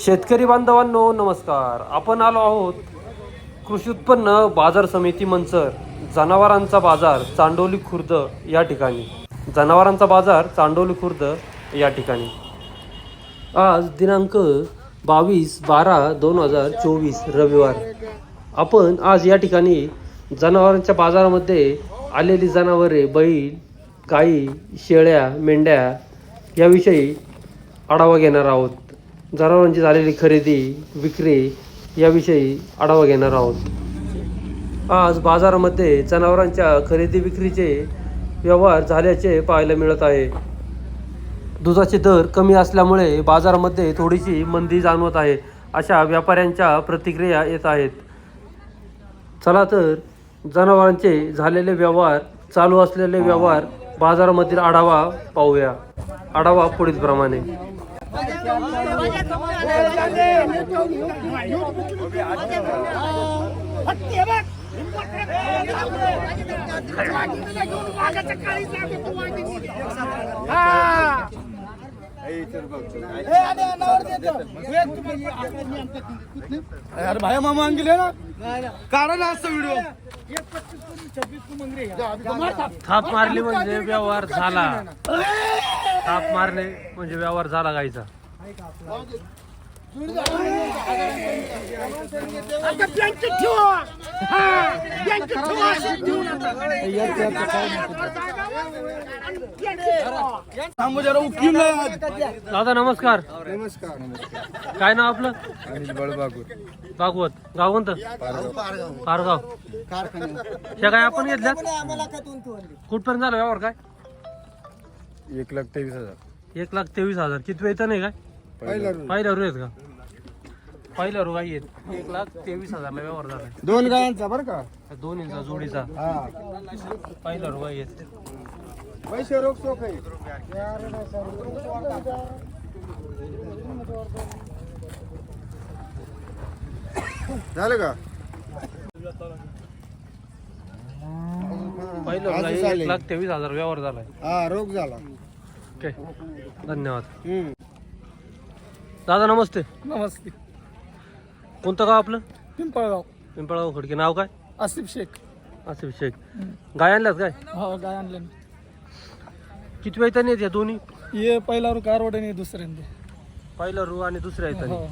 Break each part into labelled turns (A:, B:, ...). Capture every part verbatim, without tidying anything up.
A: शेतकरी बांधवांनो नमस्कार. आपण आलो आहोत कृषी उत्पन्न बाजार समिती मंचर जनावरांचा बाजार चांडोली खुर्द या ठिकाणी. जनावरांचा बाजार चांडोली खुर्द या ठिकाणी आज दिनांक बावीस बारा दोन हजार चोवीस रविवार. आपण आज या ठिकाणी जनावरांच्या बाजारामध्ये आलेली जनावरे, बैल, गाई, शेळ्या, मेंढ्या याविषयी आढावा घेणार आहोत. जनावरांची झालेली खरेदी विक्री याविषयी आढावा घेणार आहोत. आज बाजारामध्ये जनावरांच्या खरेदी विक्रीचे व्यवहार झाल्याचे पाहायला मिळत आहे. दुधाचे दर कमी असल्यामुळे बाजारामध्ये थोडीशी मंदी जाणवत आहे, अशा व्यापाऱ्यांच्या प्रतिक्रिया येत आहेत. चला तर जनावरांचे झालेले व्यवहार, चालू असलेले व्यवहार, बाजारामधील आढावा पाहूया. आढावा पुढील प्रमाणे.
B: अरे भाई मामा गेले ना, काढा ना असा व्हिडिओ.
A: थाप मारली म्हणजे व्यवहार झाला. थाप मारले म्हणजे व्यवहार झाला गायचा. दादा नमस्कार.
B: नमस्कार.
A: काय नाव आपलं?
B: अनिल बळबागूर.
A: भागवत. गाव कोणतं? पारगाव. ह्या काय आपण घेतल्या? कुठपर्यंत झाला व्यवहार? काय
B: एक लाख तेवीस हजार
A: एक लाख तेवीस हजार किती वेतन आहे? काय पहिल्या रू आहेत का? पहिल्या रू गाई आहेत. एक लाख तेवीस हजारला व्यवहार झाला.
B: दोन गायांचा बरं का,
A: दोन इंचा जोडीचा पहिल्या रू गाई आहेत.
B: पैसे रोख सोख आहे. झालं का?
A: पहिल्या रू गाई एक लाख तेवीस हजार व्यवहार झालाय.
B: हा, रोख झाला.
A: ओके, धन्यवाद. दादा नमस्ते.
B: नमस्ते.
A: कोणतं गाव आपलं?
B: पिंपळगाव.
A: पिंपळगाव खडकी. नाव काय?
B: आसिफ शेख.
A: आसिफ शेख. गाय आणल्यात काय?
B: हो, गाय आणले.
A: किती वेतन आहेत या दोन्ही?
B: ये पहिला रू कारवड आणि दुसऱ्यांदा
A: पहिला रू आणि दुसऱ्या येतात.
B: हो.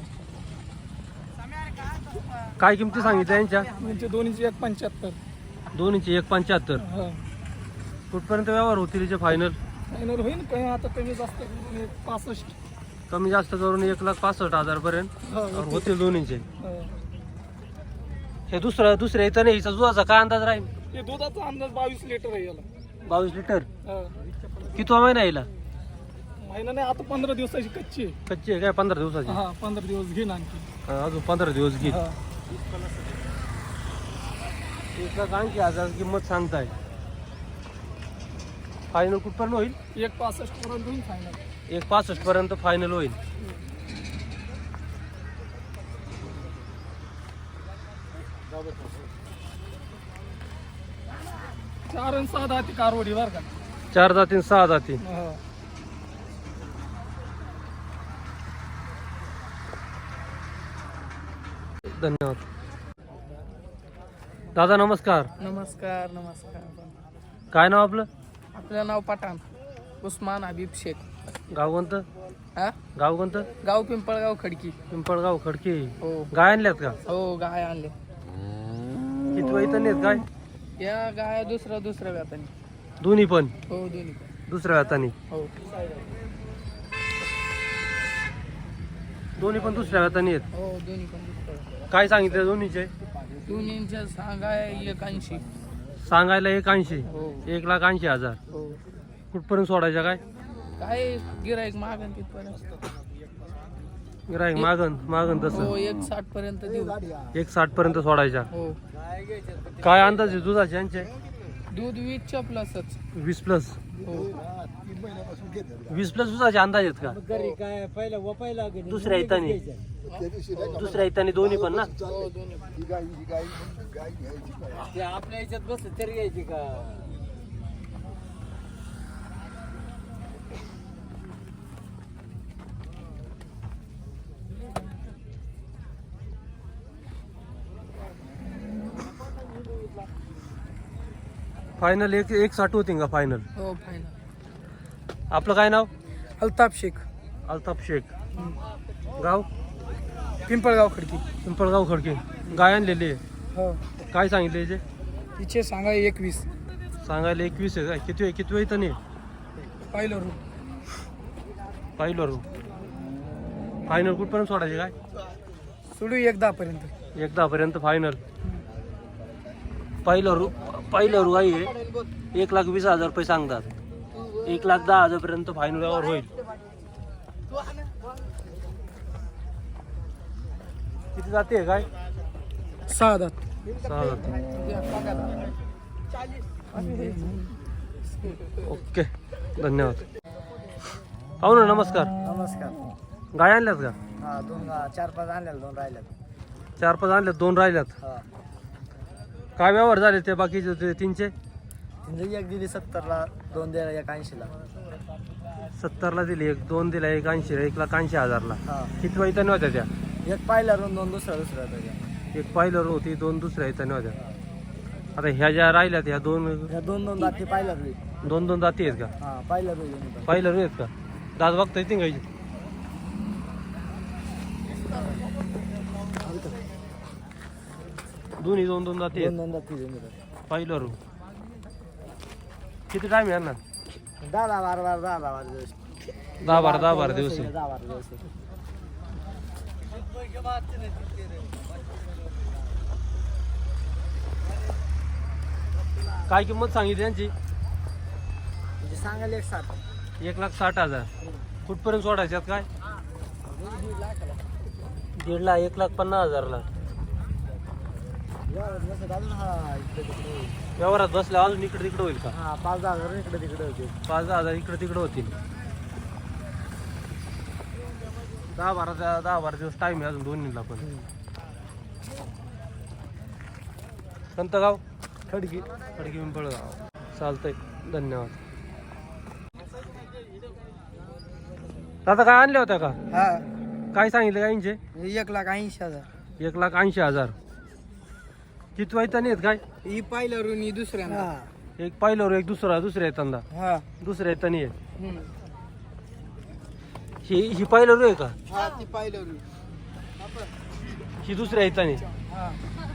A: काय किमती सांगितल्या यांच्या?
B: म्हणजे दोन्हीची एक पंच्याहत्तर.
A: दोन्हीची एक पंच्याहत्तर.
B: हो.
A: कुठपर्यंत व्यवहार होतील हिचे फायनल?
B: फायनल होईल काय आता, कमी जास्त एक पासष्ट.
A: कमी जास्त करून एक लाख पासष्ट हजार पर्यंत
B: हो,
A: होतील दोन्हीचे.
B: हो.
A: हे दुसरं दुसऱ्या येतं नाही. हिचा दुधाचा काय अंदाज राहील?
B: हे दुधाचा अंदाज बावीस लिटर आहे याला.
A: बावीस लिटर.
B: हा.
A: कितवा महिना येईल?
B: महिना नाही, आता पंधरा दिवसाची कच्ची आहे.
A: कच्ची आहे काय? पंधरा दिवसाची.
B: हा, पंधरा दिवस घेईन आणखी.
A: हा, अजून पंधरा दिवस घेईल.
B: हा.
A: एक लाख ऐंशी हजार किंमत सांगताय. फायनल कुठपर्यंत होईल?
B: एक पासष्ट पर्यंत होईल फायनल.
A: एक पासष्ट पर्यंत फायनल होईल.
B: चार आणि सहा दहा ती कारवडी बर का.
A: चार जाती सहा जाती.
B: हा.
A: धन्यवाद. दादा नमस्कार.
B: नमस्कार. नमस्कार.
A: काय नाव आपलं?
B: आपलं नाव पठाण उस्मान हबीब शेख.
A: गाव कोणतं?
B: हा,
A: गाव कोणतं?
B: गाव पिंपळगाव खडकी.
A: पिंपळगाव खडकी.
B: हो.
A: गाय आणल्यात का?
B: हो, गाय आणले.
A: किती वेतन आहेत गाय?
B: या गाय दुसऱ्या दुसऱ्या व्याताने.
A: दोन्ही पण
B: हो, दोन्ही पण.
A: दुसऱ्या हाताने.
B: हो.
A: दोन्ही पण दुसऱ्या हाताने आहेत.
B: हो, दोन्ही पण दुसऱ्या.
A: काय सांगितलं दोन्हीचे?
B: दोन्हींच्या सांगाय एक ऐंशी.
A: सांगायला एक ऐंशी.
B: हो.
A: एक लाख ऐंशी हजार.
B: हो.
A: कुठपर्यंत सोडायच्या काय?
B: काय गिराईक मागन तिथपर्यंत.
A: गिराईक मागन मागन
B: हो,
A: तसं
B: एक साठ पर्यंत देऊ.
A: एक साठ पर्यंत सोडायच्या.
B: हो.
A: काय अंदाज आहे दुधाचे यांचे?
B: दूध वीसच्या प्लसच.
A: वीस प्लस.
B: हो.
A: वीस प्लस दुधाचे अंदाज आहेत का?
B: काय पहिला वपायला
A: दुसऱ्या इतानी दुसऱ्या इतानी दोन्ही पण ना.
B: हो, दोन्ही. ते आपल्या याच्यात बस तरी घ्यायची का?
A: फायनल एक एक साठ होती का फायनल?
C: हो फायनल.
A: आपलं काय नाव?
C: अल्ताफ शेख,
A: अल्ताफ शेख. गाव?
C: पिंपळगाव खडकी.
A: पिंपळगाव खडके. गाय आणलेली आहे.
C: हो.
A: काय सांगितले याचे?
C: तिचे सांगा एकवीस.
A: सांगायला एकवीस आहे काय? किती किती वेळ इथं नाही?
C: पाहिलं रू.
A: पाहिलं रू. फायनल कुठपर्यंत सोडायचे काय?
C: सोडू एक दहा पर्यंत.
A: एक दहा पर्यंत फायनल. पहिलं रू पहिलं रू गाई आहे. एक लाख वीस हजार रुपये सांगतात. एक लाख दहा हजार पर्यंत फायनल यावर होईल. किती जाते काय?
C: सहा दात.
A: सहा जाते. ओके धन्यवाद. पाहू ना नमस्कार.
B: नमस्कार.
A: गाय आणल्यात का?
B: हा दोन चार पाच आणल्या दोन राहिल्यात.
A: चार पाच आणल्यात दोन राहिल्यात.
B: हा
A: काय व्यवहार झाले ते बाकीचे ते तीनचे?
B: म्हणजे एक दिली सत्तरला, दोन दिला एक ऐंशीला.
A: सत्तरला दिली एक, दोन दिला एक ऐंशी, एक लाख ऐंशी हजारला.
B: हा
A: किती वाईटाने होत्या त्या?
B: एक पाहिला रोन दोन दुसरा दुसरा त्याच्या.
A: एक पाहिलं होती, दोन दुसऱ्या येताने होत्या. आता ह्या ज्या राहिल्यात ह्या दोन
B: ह्या दोन दोन दाती पाहिला रोई.
A: दोन दोन जाती आहेत का?
B: हा पाहिला रोई.
A: पाहिलं आहेत का? दात बघता येते गायची? दोन्ही दोन दोन जाती
B: दोन
A: आहेत.
B: दोन दाती
A: पाहिलं रू. किती टाइम आहे ना?
B: दहा दहा बारा बारा दहा दहा बारा दिवस.
A: दहा बारा दहा बारा दिवस आहे.
B: दहा बारा दिवस आहे.
A: काय किंमत सांगितली यांची?
B: म्हणजे सांगायला एक सात.
A: एक लाख साठ हजार. कुठपर्यंत सोडायच्यात काय? दीड लाख एक लाख पन्नास हजारला.
B: हा इकडे तिकडे होईल.
A: व्यवहारात बसल्या अजून इकडे तिकडे होईल का?
B: हा पाच दहा हजार इकडे तिकडे होते.
A: पाच दहा हजार इकडे तिकडे होतील. दहा बारा दहा बारा दिवस टाइम आहे अजून दोन्हीला पण. कोणतं गाव?
B: खडकी.
A: खडकी पिंपळगाव. चालतंय धन्यवाद. दादा काय आणल्या होत्या का?
C: हा
A: काय सांगितले गाईंचे?
C: एक लाख ऐंशी हजार.
A: एक लाख ऐंशी हजार. किती वाईटाने आहेत काय?
C: ही पाहिलं रू नी दुसऱ्या.
A: एक पाहिलं एक दुसरा दुसऱ्या येताना
C: हा.
A: दुसऱ्या येताना आहे.
C: हम्म.
A: ही ही पाहिलं रू आहे का?
C: हा ती पाहिलं रू.
A: ही दुसऱ्या येताना.
C: हा.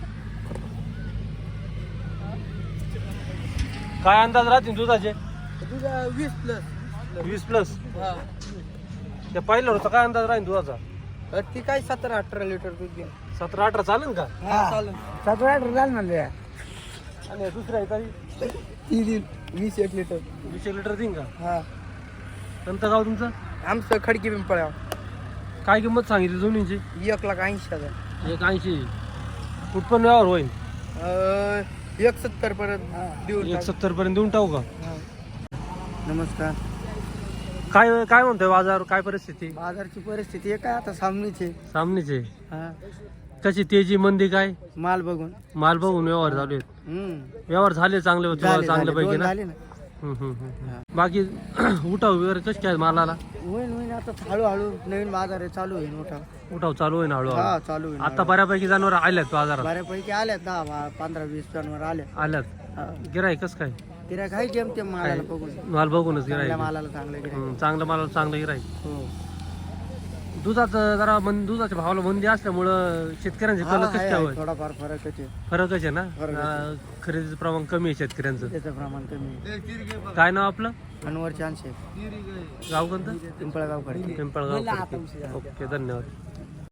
A: काय अंदाज राहतील दुधाचे?
C: तुझा वीस प्लस.
A: वीस प्लस.
C: हा.
A: त्या पाहिलं होतं काय अंदाज राहील दुधाचा?
C: ती काय सतरा अठरा लिटर दूध घे.
A: सतरा अठरा चालेल का?
C: हा चालेल.
B: सतरा झालं म्हणले.
A: आणि दुसऱ्या येताना
C: ती देईल वीस एक लिटर.
A: वीस एक लिटर देईन का?
C: हा.
A: कोणतं गाव तुमचं?
C: आमचं खडकी पिंपळगाव.
A: काय किंमत सांगितली दोन्हीची?
C: एक लाख ऐंशी हजार.
A: एक ऐंशी. कुठपण व्यवहार होईल?
C: अं, एक सत्तर पर्यंत देऊन
A: एक
C: टाक.
A: सत्तर पर्यंत देऊन टाकू का?
C: हा. नमस्कार.
A: काय काय म्हणतोय बाजार? काय परिस्थिती?
C: बाजारची परिस्थिती आहे काय आता सामनीची.
A: सामनेचे
C: हा.
A: कशी तेजी मंदी काय?
C: माल बघून.
A: माल बघून व्यवहार चालू आहेत.
C: हम्म.
A: व्यवहार झाले चांगले होते
C: झाले,
A: चांगल्या
C: झाले.
A: पैकी
C: दोन
A: ना?
C: झाले ना.
A: हम्म, हम्म, हम्म.
C: हा.
A: बाकी उठाव वगैरे कशी काय मालाला?
C: होईन होईन आता हळूहळू नवीन बाजार आहे चालू होईल मोठा.
A: उठाव चालू आहे ना
C: हा
A: हळूहळू?
C: चालू होईल.
A: आता बऱ्यापैकी जनावर आल्यात बाजारात.
C: बऱ्यापैकी आल्यात दहा बा- पंधरा वीस जणांवर आले.
A: आल्यात. गिराय कस काय?
C: गिऱ्हाईक आहे जेम तेम मालाला बघून.
A: माल बघूनच गिराय.
C: चांगल्या मालाला चांगलं गिऱ्हाईक.
A: चांगलं माल चांगलं गिराय.
C: हो.
A: दुधाचं जरा मन दुधाच्या भावाला मंदी असल्यामुळं शेतकऱ्यांचे
C: हा,
A: कल
C: आहे,
A: कसे
C: आहे.
A: काय?
C: थोडाफार फरकच आहे.
A: फरकच आहे ना?
C: फरकच आहे.
A: अं, खरेदीचं प्रमाण कमी आहे शेतकऱ्यांचं.
C: त्याचं प्रमाण कमी आहे.
A: काय नाव आपलं?
C: अनवर चान्स
A: गाव कोणतं?
C: पिंपळगाव खडकी.
A: पिंपळगाव. ओके धन्यवाद.